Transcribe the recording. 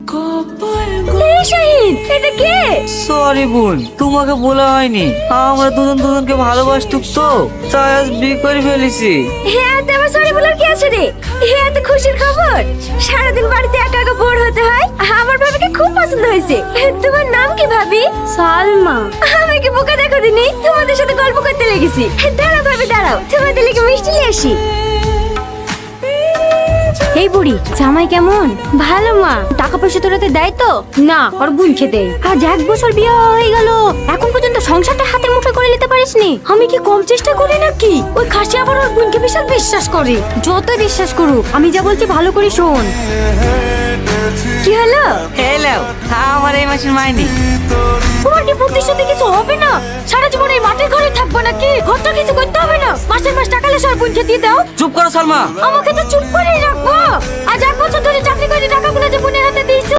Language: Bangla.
এই শাহিন, এটা কে? সরি বোন, তোমাকে বলা হয়নি। আমরা দুজন দুজনকে ভালোবাসতুক তো, তাই আজ বিয়ে করে ফেলেছি। হ্যাঁ, তোমার সরি বলার কি আছে রে? হ্যাঁ, এত খুশির খবর। সারাদিন বাড়িতে একা একা বোর হতে হয়। আমার ভাবিকে খুব পছন্দ হয়েছে। তোমার নাম কি ভাবি? সালমা। আমি কি বোকা দেখো দিনি, তোমাদের সাথে গল্প করতে লেগেছি। দাঁড়াও ভাবি দাঁড়াও, তোমাদের লেগে মিষ্টি নিয়ে আসি। এই বুড়ি, জামাই কেমন? ভালো মা। টাকা পয়সা তোরাতে দেয় তো? না, ওর বোনকে দেয়। আজ 1 বছর বিয়ে হয়ে গেল, এখন পর্যন্ত সংসারটা হাতের মুঠোয় করে নিতে পারিসনি। আমি কি কম চেষ্টা করি নাকি? ওই খাসি আবার ওর বোনকে বিশাল বিশ্বাস করে। যত বিশ্বাস করুক, আমি যা বলছি ভালো করে শোন। কি হলো? হ্যালো, আমার এই মাসের মাইনে। তোমার কি বুদ্ধি শুদ্ধি কিছু হবে না? সারা জীবন এই মাটির ঘরে থাকবো নাকি? ঘরটা কিছু করতে হবে না? মাসের মাস টাকা লেসে ওর বোনকে দিয়ে দাও। চুপ করো সালমা। আমাকে তো চুপ করে রাখবো। আজ 1 বছর ধরে চাকরি করে টাকাগুলো